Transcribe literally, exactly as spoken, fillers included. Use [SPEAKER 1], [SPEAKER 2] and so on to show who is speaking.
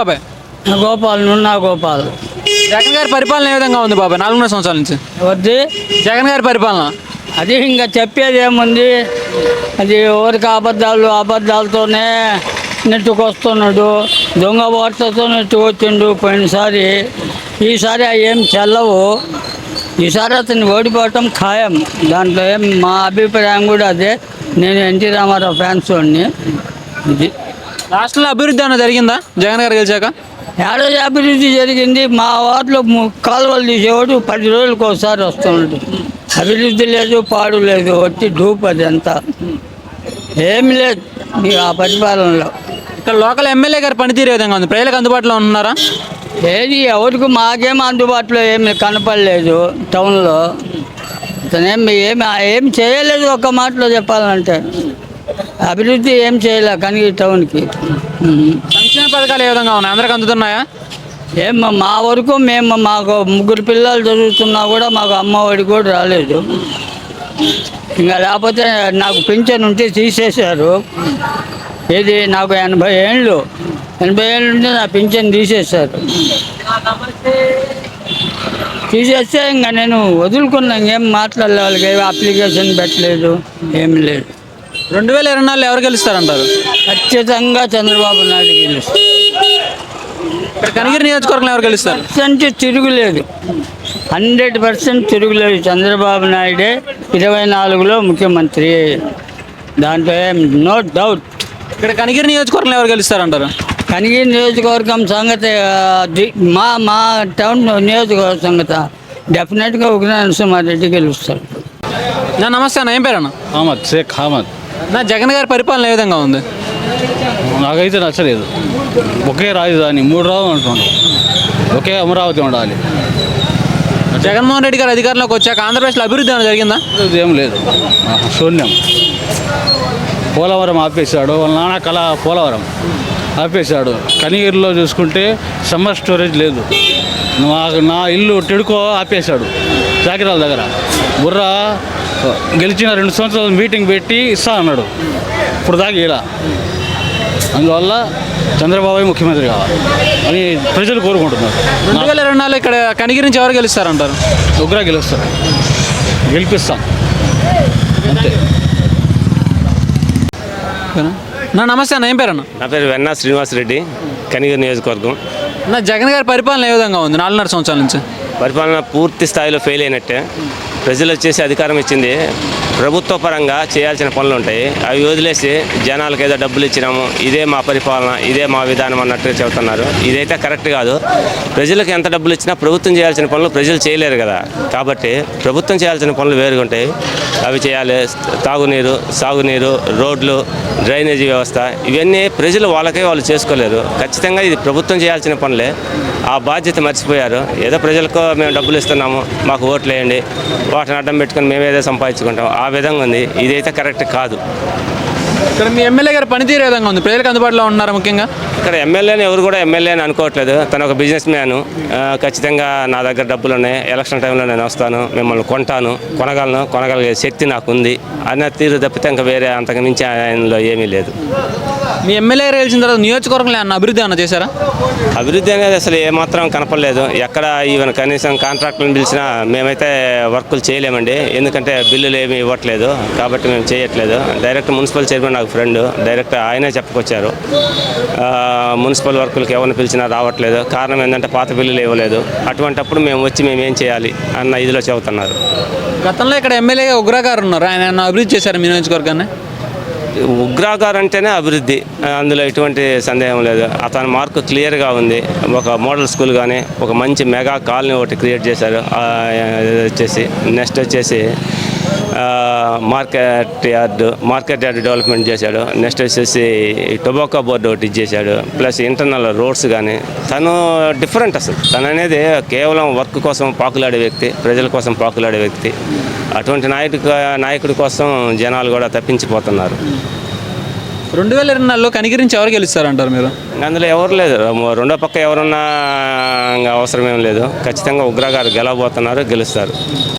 [SPEAKER 1] బాబాయ్?
[SPEAKER 2] గోపాల్ నున్నా గోపాల్.
[SPEAKER 1] జగన్ గారి పరిపాలన ఏ విధంగా ఉంది బాబాయ్ నాలుగున్నర సంవత్సరాల నుంచి?
[SPEAKER 2] వద్ది
[SPEAKER 1] జగన్ గారి పరిపాలన
[SPEAKER 2] అది ఇంకా చెప్పేది ఏముంది, అది ఎవరికి అబద్ధాలు అబద్ధాలతోనే నెట్టుకొస్తున్నాడు, దొంగ వార్తతో నెట్టుకొచ్చిండు పోయినసారి. ఈసారి అవి ఏం చెల్లవు, ఈసారి అతను ఓడిపోవటం ఖాయం. దాంట్లో ఏం మా అభిప్రాయం కూడా అదే. నేను ఎన్టీ రామారావు ఫ్యాన్స్ వాడిని. ఇది
[SPEAKER 1] రాష్ట్రంలో అభివృద్ధి ఏమైనా జరిగిందా జగన్ గారు గెలిచాక?
[SPEAKER 2] ఏడాది అభివృద్ధి జరిగింది. మా వార్డులో ము- కాలువలు తీసేవాడు పది రోజులకు ఒకసారి వస్తున్నాడు. అభివృద్ధి లేదు, పాడు లేదు, వచ్చి డూప్ అది అంతా ఏమి లేదు ఈ ఆ పరిపాలనలో.
[SPEAKER 1] ఇక్కడ లోకల్ ఎమ్మెల్యే గారి పనితీరు ఏ విధంగా ఉంది? ప్రజలకు అందుబాటులో ఉన్నారా?
[SPEAKER 2] ఏది ఎవరికి మాకేం అందుబాటులో ఏమి కనపడలేదు టౌన్లో. అతనేం ఏమి ఏం చేయలేదు, ఒక్క మాటలో చెప్పాలంటే అభివృద్ధి ఏం చేయలే కానీ ఈ టౌన్కి. ఉమ్.
[SPEAKER 1] సంక్షేమ పథకాలు ఏ విధంగా ఉన్నాయి? అందరికి అందుతున్నాయా?
[SPEAKER 2] ఏం మా వరకు మేము మాకు ముగ్గురు పిల్లలు చదువుతున్నా కూడా మాకు అమ్మఒడి కూడా రాలేదు. ఇంకా లేకపోతే నాకు పింఛన్ ఉంటే తీసేశారు. ఏది నాకు ఎనభై ఏళ్ళు ఎనభై ఏళ్ళు ఉంటే నా పింఛన్ తీసేశారు. తీసేస్తే ఇంకా నేను వదులుకున్నా, ఇంకేం మాట్లాడలే. వాళ్ళకి ఏమి అప్లికేషన్ పెట్టలేదు, ఏం లేదు.
[SPEAKER 1] రెండు వేల ఇరవై నాలుగులో ఎవరు గెలుస్తారంటారు?
[SPEAKER 2] ఖచ్చితంగా చంద్రబాబు నాయుడు గెలుస్తారు.
[SPEAKER 1] ఇక్కడ కనిగిరి నియోజకవర్గంలో ఎవరు గెలుస్తారు?
[SPEAKER 2] పర్సెంట్ తిరుగులేదు, హండ్రెడ్ పర్సెంట్ తిరుగులేదు. చంద్రబాబు నాయుడే ఇరవై నాలుగులో ముఖ్యమంత్రి, దాంట్లో ఏం నో డౌట్.
[SPEAKER 1] ఇక్కడ కనిగిరి నియోజకవర్గంలో ఎవరు గెలుస్తారంటారు?
[SPEAKER 2] కనిగిరి నియోజకవర్గం సంగతి ఆ, ది- మా మా టౌన్ నియోజకవర్గం సంగతి డెఫినెట్గా ఉగ్ర నరసింహారెడ్డి గెలుస్తారు.
[SPEAKER 1] నా నమస్తే అన్న, ఏం పేరు అన్న?
[SPEAKER 3] అహ్మద్ షేక్ అహ్మద్.
[SPEAKER 1] నా జగన్ గారి పరిపాలన ఏ విధంగా ఉంది?
[SPEAKER 3] నాకైతే నచ్చలేదు. ఒకే రాజధాని మూడు రాజు అంటున్నాడు, ఒకే అమరావతి ఉండాలి.
[SPEAKER 1] జగన్మోహన్ రెడ్డి గారు అధికారంలోకి వచ్చాక ఆంధ్రప్రదేశ్లో అభివృద్ధి ఏమైనా జరిగిందా?
[SPEAKER 3] ఇది ఏం లేదు, ఆహా, శూన్యం. పోలవరం ఆపేశాడు, వాళ్ళ నాన్న కళ పోలవరం ఆపేశాడు. కనిగిరిలో చూసుకుంటే సమ్మర్ స్టోరేజ్ లేదు. నాకు నా ఇల్లు టిడుకో ఆపేశాడు జాకిరాల దగ్గర. బుర్ర గెలిచిన రెండు సంవత్సరాలు మీటింగ్ పెట్టి ఇస్తా అన్నాడు, ఇప్పుడు దాకా ఇలా. అందువల్ల చంద్రబాబు ముఖ్యమంత్రి కావాలి అని ప్రజలు కోరుకుంటున్నారు.
[SPEAKER 1] రెండు వేల ఇరవై నాలుగు ఇక్కడ కనిగిరి నుంచి ఎవరు గెలుస్తారంటారు?
[SPEAKER 3] ఉగ్ర గెలుస్తారు, గెలిపిస్తాం అంతే.
[SPEAKER 1] నా నమస్తే అన్న, ఏం పేరు అన్న?
[SPEAKER 4] నా పేరు వెన్నా శ్రీనివాసరెడ్డి, కనిగిరి నియోజకవర్గం.
[SPEAKER 1] నా జగన్ గారి పరిపాలన ఏ విధంగా ఉంది నాలుగున్నర సంవత్సరాల నుంచి?
[SPEAKER 4] పరిపాలన పూర్తి స్థాయిలో ఫెయిల్ అయినట్టే. ప్రజలు వచ్చేసి అధికారం ఇచ్చింది, ప్రభుత్వ పరంగా చేయాల్సిన పనులు ఉంటాయి, అవి వదిలేసి జనాలకు ఏదో డబ్బులు ఇచ్చినాము, ఇదే మా పరిపాలన, ఇదే మా విధానం అన్నట్టుగా చెబుతున్నారు. ఇదైతే కరెక్ట్ కాదు. ప్రజలకు ఎంత డబ్బులు ఇచ్చినా ప్రభుత్వం చేయాల్సిన పనులు ప్రజలు చేయలేరు కదా. కాబట్టి ప్రభుత్వం చేయాల్సిన పనులు వేరుగా ఉంటాయి, అవి చేయాలి. తాగునీరు, సాగునీరు, రోడ్లు, డ్రైనేజీ వ్యవస్థ, ఇవన్నీ ప్రజలు వాళ్ళకే వాళ్ళు చేసుకోలేరు. ఖచ్చితంగా ఇది ప్రభుత్వం చేయాల్సిన పనులే. ఆ బాధ్యత మర్చిపోయారు. ఏదో ప్రజలకు మేము డబ్బులు ఇస్తున్నాము, మాకు ఓట్లు వేయండి, వాటిని అడ్డం పెట్టుకొని మేము ఏదో సంపాదించుకుంటాం, ఆ విధంగా ఉంది. ఇదైతే కరెక్ట్ కాదు.
[SPEAKER 1] ఇక్కడ మీ ఎమ్మెల్యే గారి పనితీరు ఏ విధంగా ఉంది? ప్రజలకు అందుబాటులో ఉన్నారా? ముఖ్యంగా
[SPEAKER 4] ఇక్కడ ఎమ్మెల్యేని ఎవరు కూడా ఎమ్మెల్యే అని అనుకోవట్లేదు. తను ఒక బిజినెస్ మ్యాను. ఖచ్చితంగా నా దగ్గర డబ్బులు ఉన్నాయి, ఎలక్షన్ టైంలో నేను వస్తాను, మిమ్మల్ని కొంటాను, కొనగలను, కొనగలిగే శక్తి నాకు ఉంది అన్న తీరు తప్పితే ఇంకా వేరే అంతకు మించి ఆయనలో ఏమీ లేదు.
[SPEAKER 1] మీ ఎమ్మెల్యే గారు గెలిచిన తర్వాత నియోజకవర్గంలో ఏమన్నా అభివృద్ధి ఏమన్నా చేశారా?
[SPEAKER 4] అభివృద్ధి అనేది అసలు ఏమాత్రం కనపడలేదు. ఎక్కడ ఈవెన్ కనీసం కాంట్రాక్టులను పిలిచినా మేమైతే వర్కులు చేయలేమండి, ఎందుకంటే బిల్లులు ఏమీ ఇవ్వట్లేదు కాబట్టి మేము చేయట్లేదు. డైరెక్ట్ మున్సిపల్ చైర్మన్ నాకు ఫ్రెండ్, డైరెక్ట్ ఆయనే చెప్పుకొచ్చారు. మున్సిపల్ వర్కులకు ఎవరిని పిలిచినా రావట్లేదు. కారణం ఏంటంటే పాత బిల్లులు ఇవ్వలేదు. అటువంటప్పుడు మేము వచ్చి మేము ఏం చేయాలి అన్న ఇదిలో చెబుతున్నారు.
[SPEAKER 1] గతంలో ఇక్కడ ఎమ్మెల్యేగా ఉగ్ర గారు ఉన్నారు, ఆయన ఏమన్నా అభివృద్ధి చేశారు మీ నియోజకవర్గాన్ని?
[SPEAKER 4] ఉగ్రాగార్ అంటేనే అభివృద్ధి, అందులో ఎటువంటి సందేహం లేదు. అతని మార్కు క్లియర్గా ఉంది. ఒక మోడల్ స్కూల్ కానీ, ఒక మంచి మెగా కాలనీ ఒకటి క్రియేట్ చేశారు. వచ్చేసి నెక్స్ట్ వచ్చేసి market yard market yard development చేశాడు. నెక్స్ట్ వచ్చేసి టొబాకో బోర్డు ఒకటి ఇచ్చేసాడు. ప్లస్ ఇంటర్నల్ రోడ్స్ కానీ, తను డిఫరెంట్. అసలు తను అనేది కేవలం వర్క్ కోసం పాకులాడే వ్యక్తి, ప్రజల కోసం పాకులాడే వ్యక్తి. అటువంటి నాయకుడి నాయకుడి కోసం జనాలు కూడా తప్పించిపోతున్నారు.
[SPEAKER 1] రెండు వేల ఇరవై నాలుగులో కనిగిరి నుంచి ఎవరు గెలుస్తారంటారు మీరు?
[SPEAKER 4] అందులో ఎవరు లేదు, రెండో పక్క ఎవరున్నా అవసరం ఏం లేదు. ఖచ్చితంగా ఉగ్ర గారు గెలవబోతున్నారు, గెలుస్తారు.